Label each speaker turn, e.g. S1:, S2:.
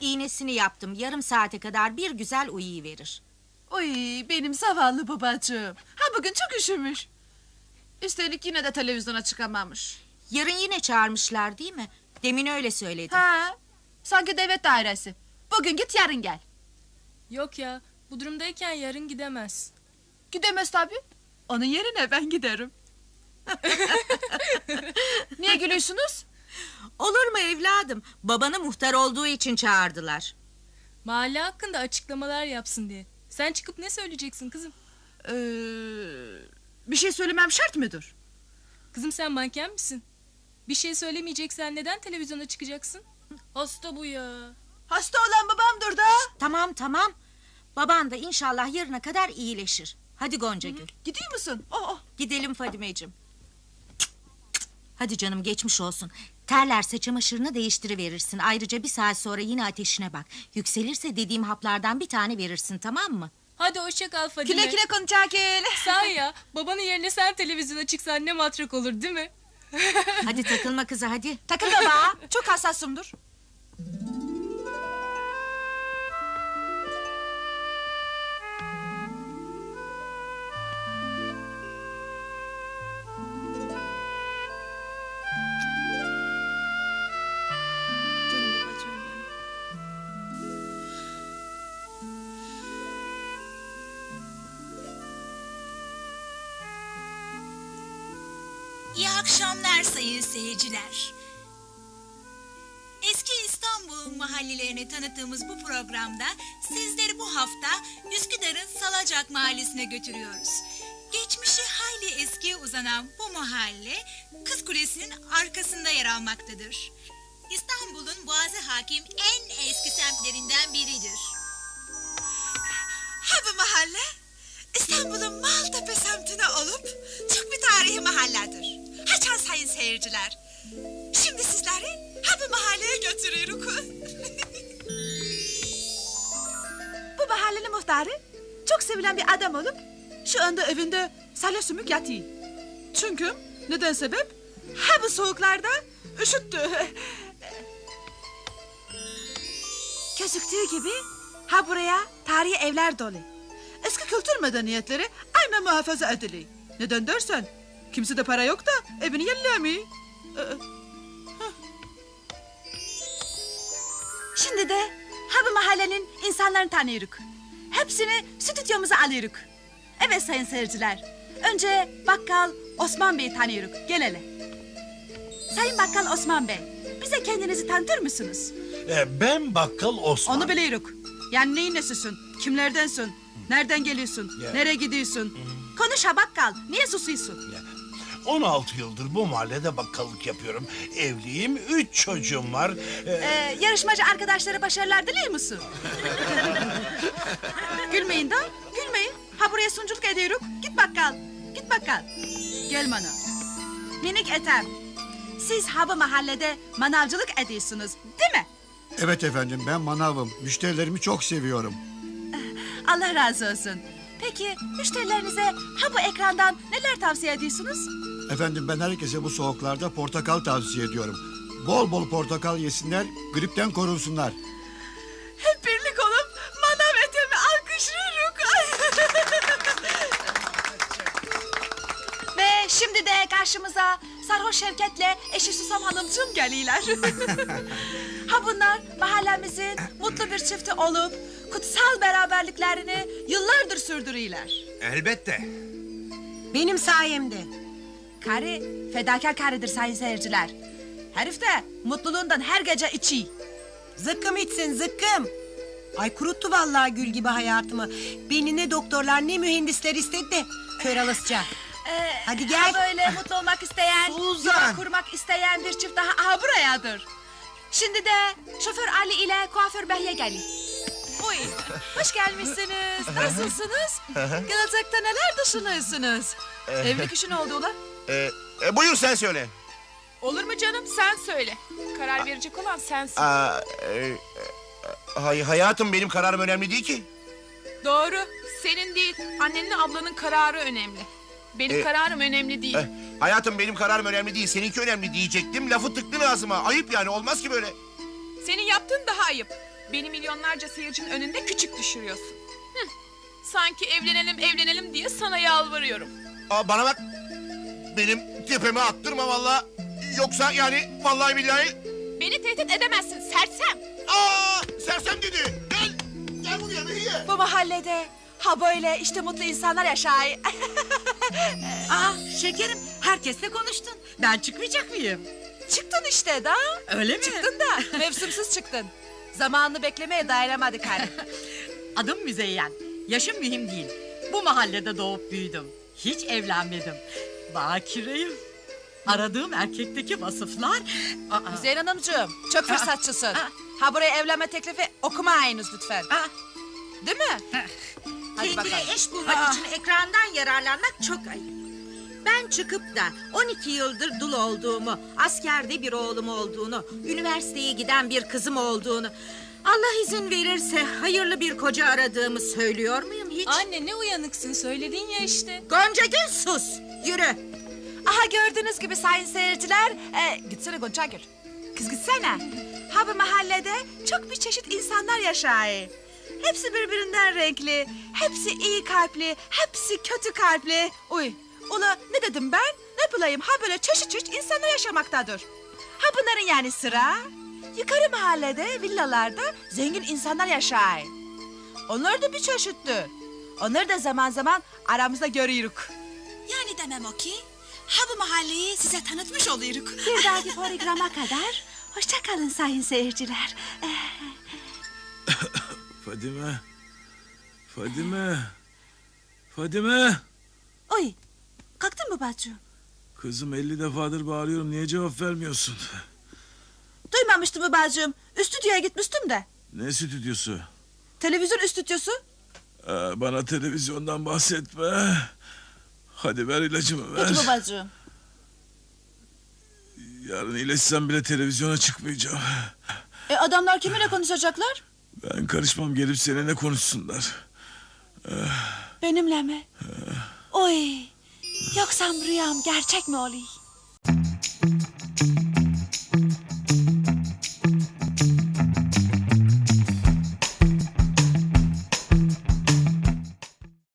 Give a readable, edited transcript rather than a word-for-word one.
S1: İğnesini yaptım. Yarım saate kadar bir güzel uyuyuverir.
S2: Oy benim zavallı babacığım. Ha bugün çok üşümüş. Üstelik yine de televizyona çıkamamış.
S1: Yarın yine çağırmışlar değil mi? Demin öyle söyledi.
S2: Ha, sanki devlet dairesi. Bugün git yarın gel.
S3: Yok ya, bu durumdayken yarın gidemez.
S2: Gidemez tabii. Onun yerine ben giderim. Niye gülüyorsunuz?
S1: Olur mu evladım? Babanı muhtar olduğu için çağırdılar.
S3: Mahalle hakkında açıklamalar yapsın diye. Sen çıkıp ne söyleyeceksin kızım?
S2: Bir şey söylemem şart mıdır?
S3: Kızım sen manken misin? Bir şey söylemeyeceksen neden televizyona çıkacaksın? Hasta bu ya.
S2: Hasta olan babamdır da.
S1: Tamam tamam. Baban da inşallah yarına kadar iyileşir. Hadi Goncagül.
S2: Gidiyor musun? Oh.
S1: Gidelim Fadimeciğim. Hadi canım geçmiş olsun. Terlerse çamaşırını değiştiriverirsin. Ayrıca bir saat sonra yine ateşine bak. Yükselirse dediğim haplardan bir tane verirsin, tamam mı?
S3: Hadi hoşça kal Fadime.
S2: Güle güle Konçakil.
S3: Sahi ya, babanın yerine sen televizyona çıksan ne matrak olur değil mi?
S1: Hadi takılma kıza hadi.
S2: Takıl baba. Çok hassasımdır. Canım babacığım benim.
S4: İyi akşamlar sayın seyirciler. Eski İstanbul mahallelerini tanıttığımız bu programda sizleri bu hafta Üsküdar'ın Salacak Mahallesi'ne götürüyoruz. Geçmişi hayli eskiye uzanan bu mahalle Kız Kulesi'nin arkasında yer almaktadır. İstanbul'un Boğazı hakim en eski semtlerinden biridir.
S5: Ha bu mahalle İstanbul'un Maltepe semtine olup çok bir tarihi mahalledir. Haçan sayın seyirciler. Şimdi sizleri ha bu mahalleye götürüyoruz.
S2: Bu mahallenin muhtarı çok sevilen bir adam olup şu anda evinde salya sümük yatıyor. Çünkü neden sebep? Ha bu soğuklarda üşüttü. Gözüktüğü gibi ha buraya tarihi evler dolu. Eski kültür medeniyetleri aynen muhafaza ediliyor. Neden dersen kimse de para yok da evini yenilemiyor. Şimdi de ha bu mahallenin insanlarını tanıyoruz. Hepsini stüdyomuza alıyoruz. Evet sayın seyirciler. Önce bakkal Osman Bey'i tanıyoruz. Gel hele. Sayın bakkal Osman Bey, bize kendinizi tanıtır mısınız?
S6: Ben bakkal Osman.
S2: Onu biliyoruz. Yani neyin nesisin? Kimlerdensin? Nereden geliyorsun?
S6: Ya.
S2: Nereye gidiyorsun? Konuş ha bakkal. Niye susuyorsun?
S6: 16 yıldır bu mahallede bakkallık yapıyorum. Evliyim, 3 çocuğum var.
S2: Yarışmacı arkadaşlara başarılar diliyor musun? Gülmeyin da, gülmeyin. Ha buraya sunuculuk ediyoruz. Git bakkal, git bakkal. Gel bana. Minik Ethem, siz ha bu mahallede manavcılık ediyorsunuz, değil mi?
S7: Evet efendim, ben manavım. Müşterilerimi çok seviyorum.
S2: Allah razı olsun. Peki müşterilerinize ha bu ekrandan neler tavsiye ediyorsunuz?
S7: Efendim ben herkese bu soğuklarda portakal tavsiye ediyorum. Bol bol portakal yesinler, gripten korunsunlar.
S2: Hep birlik olup manav Ethem'i alkışlıyoruz. Ve şimdi de karşımıza Sarhoş Şevket'le eşi Susam Hanımcığım geliyorlar. Ha bunlar mahallemizin mutlu bir çifti olup kutsal beraberliklerini yıllardır sürdürüyorlar.
S8: Elbette.
S5: Benim sayemde.
S2: Karı fedakar karıdır sayın seyirciler. Herif de mutluluğundan her gece içi.
S5: Zıkkım içsin zıkkım. Ay kuruttu vallahi gül gibi hayatımı. Beni ne doktorlar ne mühendisler istedi de kör alasıca. Hadi gel.
S2: Ha böyle mutlu olmak isteyen,
S8: Suzan!
S2: yuva kurmak isteyen bir çift daha aha burayadır. Şimdi de şoför Ali ile kuaför Behye geliyor. Uy, hoş gelmişsiniz. Nasılsınız? Gelecekte neler düşünüyorsunuz? Evlilik işi ne oldu ulan?
S8: Buyur sen söyle.
S9: Olur mu canım, sen söyle. Karar verecek olan sensin.
S8: Hayatım benim kararım önemli değil ki.
S9: Doğru, senin değil, annenle ablanın kararı önemli. Benim kararım önemli değil.
S8: Hayatım benim kararım önemli değil. Seninki önemli diyecektim. Lafı tıktın ağzıma. Ayıp yani olmaz ki böyle.
S9: Senin yaptığın daha ayıp. Beni milyonlarca seyircinin önünde küçük düşürüyorsun. Hı. Sanki evlenelim diye sana yalvarıyorum.
S8: Aa, bana bak. Benim tepeme attırma vallahi. Yoksa yani vallahi billahi.
S9: Beni tehdit edemezsin sersem.
S8: Aa, sersem dedi. Gel. Gel buraya Behiye.
S2: Bu mahallede ha böyle işte mutlu insanlar yaşay.
S1: Şekerim herkesle konuştun. Ben çıkmayacak mıyım?
S2: Çıktın işte da.
S1: Öyle mi?
S2: Çıktın da mevsimsiz çıktın. Zamanını beklemeye dayanamadık hani.
S10: Adım Müzeyyen. Yaşım mühim değil. Bu mahallede doğup büyüdüm. Hiç evlenmedim. Bakireyim. Aradığım erkekteki vasıflar...
S2: Zeyran Hanımcığım çok fırsatçısın. Ha buraya evlenme teklifi okumayınız lütfen. Değil mi? Hadi
S1: Kendine
S2: bakalım.
S1: eş bulmak için ekrandan yararlanmak çok ayıp. Ben çıkıp da 12 yıldır dul olduğumu, askerde bir oğlum olduğunu, üniversiteye giden bir kızım olduğunu, Allah izin verirse hayırlı bir koca aradığımı söylüyor muyum hiç?
S3: Anne ne uyanıksın söyledin ya işte.
S1: Gonca Gül sus, yürü.
S2: Aha gördüğünüz gibi sayın seyirciler. Gitsene Gonca Gül. Kız gitsene. Ha bu mahallede çok bir çeşit insanlar yaşay. Hepsi birbirinden renkli. Hepsi iyi kalpli. Hepsi kötü kalpli. Uy. Ula ne dedim ben? Ne bulayım? Ha böyle çeşit çeşit insanlar yaşamaktadır. Ha bunların yani sıra. Yukarı mahallede villalarda zengin insanlar yaşay. Onlar da bir çeşittir. Onları da zaman zaman aramızda görüyoruz.
S5: Yani demem o ki, ha bu mahalleyi size tanıtmış oluyoruz.
S2: Bir dahaki programa kadar hoşça kalın sayın seyirciler.
S11: Fadime. Fadime. Fadime.
S2: Oy, kalktın mı bacım?
S11: Kızım 50 defadır bağırıyorum. Niye cevap vermiyorsun?
S2: Duymamıştım mı bacım? Stüdyoya gitmiştim de.
S11: Ne stüdyosu?
S2: Televizyon stüdyosu.
S11: Bana televizyondan bahsetme. Hadi ver ilacımı ver.
S2: Peki mi bacım?
S11: Yarın iyileşsem bile televizyona çıkmayacağım.
S2: Adamlar kiminle konuşacaklar?
S11: Ben karışmam, gelip seninle konuşsunlar.
S2: Benimle mi? Oy, yoksa rüyam gerçek mi oluyor?